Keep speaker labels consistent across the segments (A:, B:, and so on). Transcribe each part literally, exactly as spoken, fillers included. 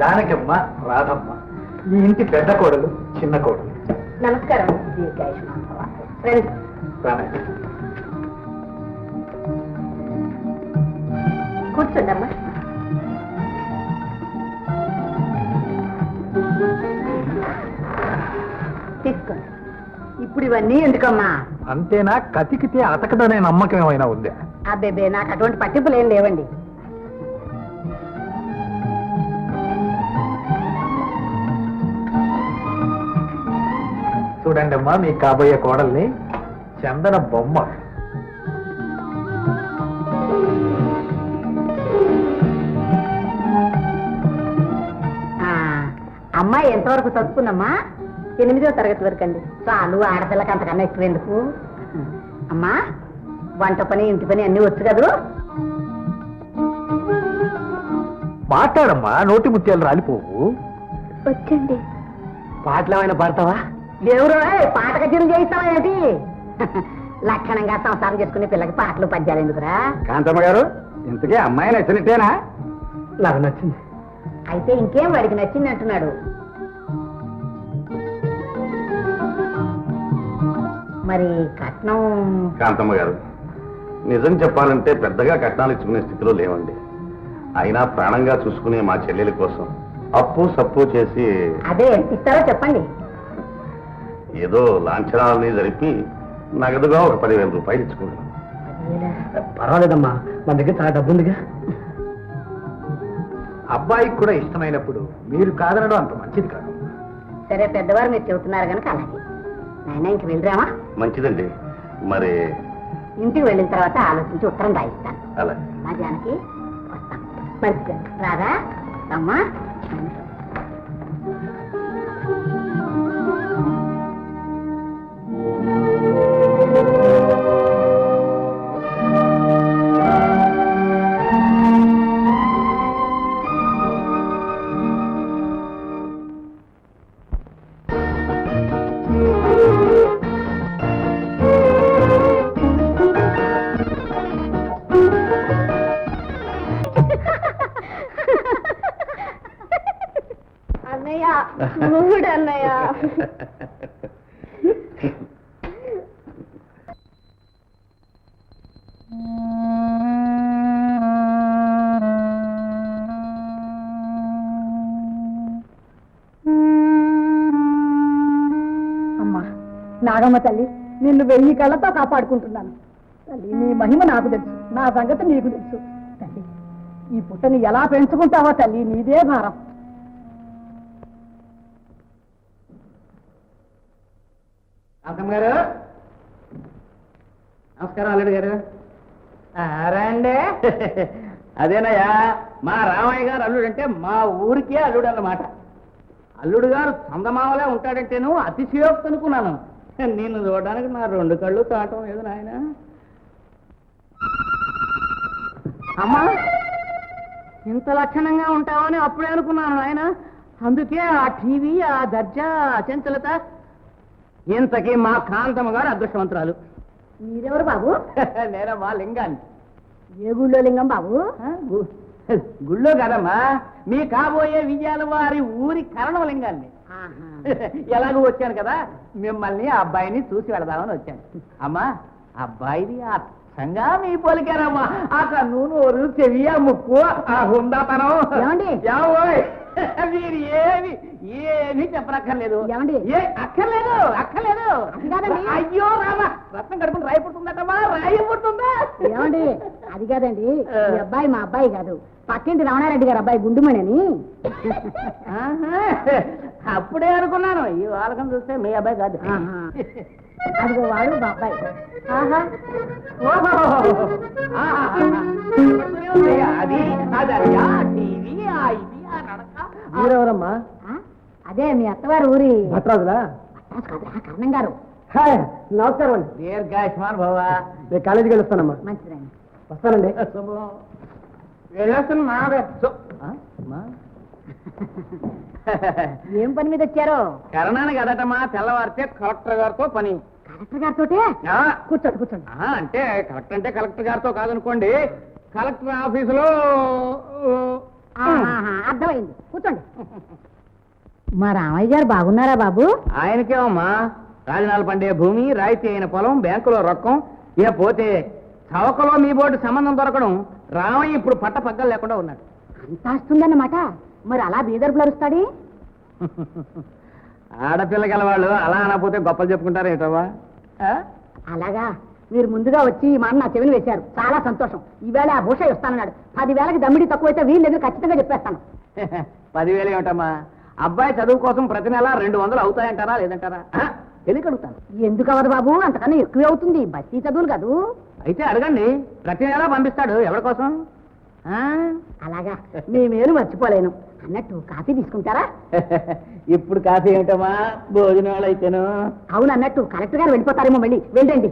A: జానకమ్మ, రాధమ్మ, ఈ ఇంటి పెద్ద కోడలు, చిన్న కోడలు.
B: నమస్కారం. కూర్చోండమ్మా. తీసుకోండి. ఇప్పుడు ఇవన్నీ ఎందుకమ్మా?
A: అంతేనా? కతికితే అతకదనే నమ్మకం ఏమైనా ఉందా?
B: అబ్బేబే, నాకు అటువంటి పట్టింపులు ఏం లేవండి.
A: చూడండి అమ్మా, మీ కాబోయే కోడల్ని చందన బొమ్మ.
B: అమ్మాయి ఎంతవరకు చదువుకుందమ్మా? ఎనిమిదో తరగతి వరకు అండి. చాలు, ఆడపిల్లకి అంతకన్నా ఎక్కువ ఎందుకు? అమ్మా, వంట పని, ఇంటి పని అన్ని వచ్చు కదూ?
A: మాట్లాడమ్మా, నోటి ముత్యాలు రాలిపోవు.
B: వచ్చండి.
A: పాటలు ఏమైనా పాడతావా?
B: దేవుడు పాట కచేరీ చేయిస్తావా ఏంటి? లక్షణంగా సంసారం చేసుకునే పిల్లకి పాటలు పద్యాలు ఎందుకురా?
A: కాంతమ్మ గారు, ఇంతకీ అమ్మాయి నచ్చినట్టేనా? నాకు నచ్చింది.
B: అయితే ఇంకేం వాడికి నచ్చింది అంటున్నాడు. మరి కట్నం?
C: కాంతమ్మ గారు, నిజం చెప్పాలంటే పెద్దగా కట్నాలు ఇచ్చుకునే స్థితిలో లేవండి. అయినా ప్రాణంగా చూసుకునే మా చెల్లెల కోసం అప్పు సప్పు చేసి...
B: అదే ఎంత ఇస్తారో చెప్పండి.
C: ఏదో లాంఛనాలని జరిపి నగదుగా ఒక పదివేల రూపాయలు ఇచ్చుకున్నాను.
A: పర్వాలేదమ్మా, మన దగ్గర చాలా డబ్బు ఉందిగా. అబ్బాయికి కూడా ఇష్టమైనప్పుడు మీరు కాదనడం అంత మంచిది కాదు.
B: సరే, పెద్దవారు మీరు చెబుతున్నారు కనుక అలాగే. నాయన, ఇంక వెళ్ళరామా?
C: మంచిదండి. మరి
B: ఇంటికి వెళ్ళిన తర్వాత ఆలోచించి ఉత్తరం రాయిస్తాను.
C: అలా
B: మా జానకి, వస్తాను. మంచిగా రాదా అమ్మా? అన్నయ్య, మూడు అన్నయ్య. అమ్మా నాగమ్మ తల్లి, నిన్ను వెయ్యి కళ్ళతో కాపాడుకుంటున్నాను తల్లి. నీ మహిమ నాకు తెలుసు, నా సంగతి నీకు తెలుసు తల్లి. ఈ పుట్టని ఎలా పెంచుకుంటావో తల్లి, నీదే భారం.
A: కాంతమ్మ గారు, నమస్కారం. అల్లుడు గారు రండి. అదేనయ్యా, మా రామయ్య గారు అల్లుడు అంటే మా ఊరికే అల్లుడు అన్నమాట. అల్లుడు గారు చందమామలే ఉంటాడంటేను అతిశయోక్తి అనుకున్నాను. నిన్ను చూడడానికి నా రెండు కళ్ళు తాటం లేదు నాయన. అమ్మా, ఇంత లక్షణంగా ఉంటావని అప్పుడే అనుకున్నాను నాయన. అందుకే ఆ టీవీ, ఆ దర్జా, అచంచలత. ఇంతకీ మా కాంతమ్మ గారు అదృష్టవంతురాలు.
B: మీరెవరు బాబు?
A: నేనమ్మా లింగాన్ని.
B: ఏ గుళ్ళో లింగం బాబు?
A: గుళ్ళో కదమ్మా, మీ కాబోయే విజయాల వారి ఊరి కరణం లింగాన్ని. ఎలాగూ వచ్చాను కదా, మిమ్మల్ని ఆ అబ్బాయిని చూసి వెళదామని వచ్చాను. అమ్మా, అబ్బాయిది అచ్చంగా మీ పోలికారమ్మా. ఆ కన్ను, చెవి, ఆ ముక్కు, ఆ హుందాతనం. మీరు ఏమి ఏమీ చెప్పనక్కర్లేదు. ఏ అక్కర్లేదు, అక్కర్లేదు. అయ్యో రామా, రత్నం కడుపుని రాయి పుడుతుందటమ్మా, రాయి పుడుతుందా?
B: ఏమండి, అది కాదండి, ఈ అబ్బాయి మా అబ్బాయి కాదు, పక్కింటి రమణారెడ్డి గారు అబ్బాయి గుండుమణి అని.
A: అప్పుడే అనుకున్నాను, ఈ వాళ్ళకం చూస్తే మీ అబ్బాయి కాదు.
B: అదిగో వాడు మా అబ్బాయి.
A: అది అది మీరెవరమ్మా?
B: అదే మీ అత్తవారు ఊరి
A: భట్రాజులా?
B: కర్ణం గారు.
A: నమస్కారం అండి. దీర్ఘాయుష్మాన్ భవ. నేను కాలేజీకి వెళ్ళొస్తానమ్మా.
B: మంచిదండి,
A: వస్తానండి.
B: ఏం పని మీద వచ్చారో?
A: కరణానికి అదటమ్మా, తెల్లవారితే కలెక్టర్ గారితో పని.
B: కలెక్టర్ గారితో? కూర్చోండి కూర్చోండి.
A: అంటే కలెక్టర్ అంటే కలెక్టర్ గారితో కాదనుకోండి, కలెక్టర్ ఆఫీసులో
B: అర్థమైంది, కూర్చోండి. మా రామయ్య గారు బాగున్నారా బాబు?
A: ఆయనకేమమ్మా రాజనాలు పండే భూమి, రాయితీ అయిన పొలం, బ్యాంకులో రొక్కం, ఇక పోతే చవకలో మీ బోర్డు సంబంధం దొరకడం, రామయ్య ఇప్పుడు పట్ట పగ్గలు లేకుండా ఉన్నాడు.
B: అంత వస్తుందన్నమాట. మరి అలా బీదర్పులు అరుస్తాడే?
A: ఆడపిల్ల గలవాళ్ళు అలా అనకపోతే గొప్పలు చెప్పుకుంటారు ఏంటవ్వా?
B: అలాగా, మీరు ముందుగా వచ్చి ఈ మాట నా చెవిని వేశారు, చాలా సంతోషం. ఈవేళ ఆ భూష వస్తానన్నాడు. పదివేలకి దమ్మిడి తక్కువైతే వీళ్ళు దగ్గర ఖచ్చితంగా చెప్పేస్తాను.
A: పదివేలు ఏమిటమ్మా, అబ్బాయి చదువు కోసం ప్రతి నెల రెండు వందలు అవుతాయంటారా లేదంటారా? తెలియకడుగుతాను.
B: ఎందుకు అవ్వదు బాబు, అంతకన్నా ఎక్కువే అవుతుంది. బస్తీ చదువులు కాదు.
A: అయితే అడగండి, ప్రతి నెల పంపిస్తాడు. ఎవరి కోసం?
B: అలాగా, మీ మేలు మర్చిపోలేను. అన్నట్టు కాఫీ తీసుకుంటారా?
A: ఇప్పుడు కాఫీ ఏమిటమ్మా, భోజనాలు అయితేను.
B: అవును, అన్నట్టు కలెక్టర్ గారు వెళ్ళిపోతారేమో, మళ్ళీ వెళ్ళండి.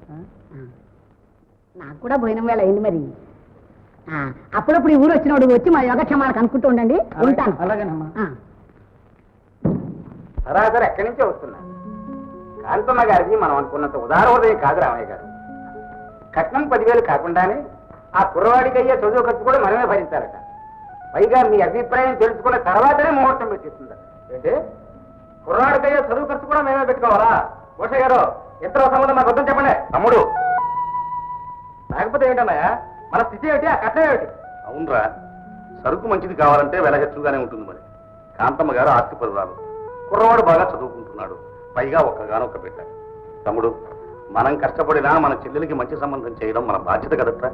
B: నాకు కూడా భోజనం వేళ అయింది. మరి అప్పుడప్పుడు ఈ ఊరు వచ్చినప్పుడు వచ్చి మా యోగక్షేమాలకు అనుకుంటూ ఉండండి. ఉంటాను.
A: అలాగేనమ్మా.
D: సరాసరి ఎక్కడి నుంచే వస్తున్నా. కాంతమ్మ గారిది మనం అనుకున్నంత ఉదార హృదయం కాదు రామయ్య గారు. కట్నం పదివేలు కాకుండానే ఆ కుర్రవాడికి అయ్యే చదువు ఖర్చు కూడా మనమే భరించాలట. పైగా మీ అభిప్రాయం తెలుసుకున్న తర్వాతనే ముహూర్తం పెట్టిస్తుందట. ఏంటి, కుర్రవాడికి అయ్యే చదువు ఖర్చు కూడా మేమే పెట్టుకోవాలా? భూష గారు, ఇద్దరు సంబంధం మాకు వద్దని చెప్పండి.
C: తమ్ముడు,
D: లేకపోతే ఏంటన్నాయా, మన స్థితి ఏమిటి, ఆ కట్నం ఏమిటి?
C: అవునరా, సరుకు మంచిది కావాలంటే వెల హెచ్చుగానే ఉంటుంది. మరి కాంతమ్మ గారు ఆస్తి పరురాలు, కుర్రవాడు బాగా చదువుకుంటున్నాడు, పైగా ఒక్కగానొక్క బిడ్డ. తమ్ముడు, మనం కష్టపడినా మన చెల్లెలకి మంచి సంబంధం చేయడం మన బాధ్యత కదట్రా.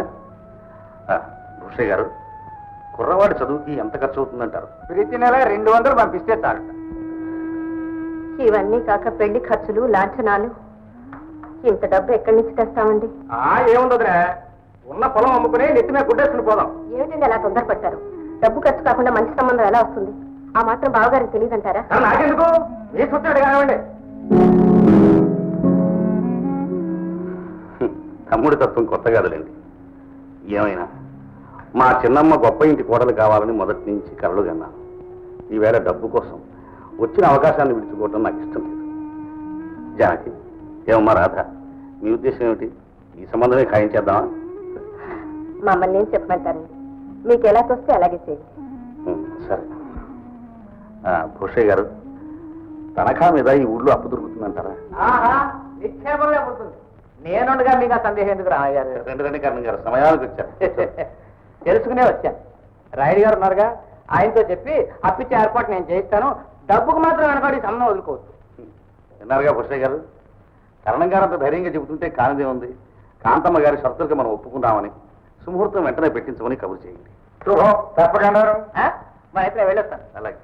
C: భూషయ్య గారు, కుర్రవాడి చదువుకి ఎంత ఖర్చు అవుతుందంటారు?
D: ప్రతి నెల రెండు వందలు పంపిస్తే చాలట.
E: ఇవన్నీ కాక పెళ్లి ఖర్చులు, లాంఛనాలు, ఇంత డబ్బు ఎక్కడి నుంచి తెస్తామండి?
D: ఆ ఏముందరా, ఉన్న పొలం అమ్ముకుని నెత్తి మీద గుడ్డేసుకుని పోదాం.
E: ఏమిటండి అలా తొందరపడతారు? డబ్బు ఖర్చు కాకుండా మంచి సంబంధం ఎలా వస్తుంది? ఆ మాత్రం బావగారికి తెలియదంటారా?
D: నాకెందుకు, మీ సొచ్చాడు కానివ్వండి.
C: తమ్ముడి తత్వం కొత్త కాదులేండి. ఏమైనా మా చిన్నమ్మ గొప్ప ఇంటి కోడలు కావాలని మొదటి నుంచి కలలు కన్నాను. ఈవేళ డబ్బు కోసం వచ్చిన అవకాశాన్ని విడుచుకోవటం నాకు ఇష్టం లేదు. జానకి, ఏమమ్మా రాధ, మీ ఉద్దేశం ఏమిటి? ఈ సంబంధమే ఖాయం చేద్దామా?
E: మమ్మల్ని ఏం చెప్పమంటారండి, మీకు ఎలా తోస్తే అలాగే చేయండి.
C: సరే. భూషయ్య గారు, తనఖా మీద ఈ ఊళ్ళో అప్పు దొరుకుతుందంటారా?
D: ఆహా, నిక్షేపంలో పుడుతుంది. నేనుండగా మీకు ఆ సందేహం ఎందుకు రామయ్య గారు?
C: రెండు రెండు కారణం గారు సమయానికి వచ్చారు.
D: తెలుసుకునే వచ్చాను. రాయుడు గారు ఉన్నారుగా, ఆయనతో చెప్పి అప్పిచ్చే ఏర్పాటు నేను చేయిస్తాను. డబ్బుకు మాత్రం వెనకాడి సంబంధం వదులుకోవచ్చు.
C: విన్నారుగా భూషయ్య గారు, కరణం గారు అంత ధైర్యంగా చెబుతుంటే కానిదే ఉంది. కాంతమ్మ గారి షరతులకి మనం ఒప్పుకుందామని సుముహూర్తం వెంటనే పెట్టించమని కబురు చేయండి.
D: తప్పకుండా మరి అయితే వెళ్ళొస్తాను.
C: అలాగే.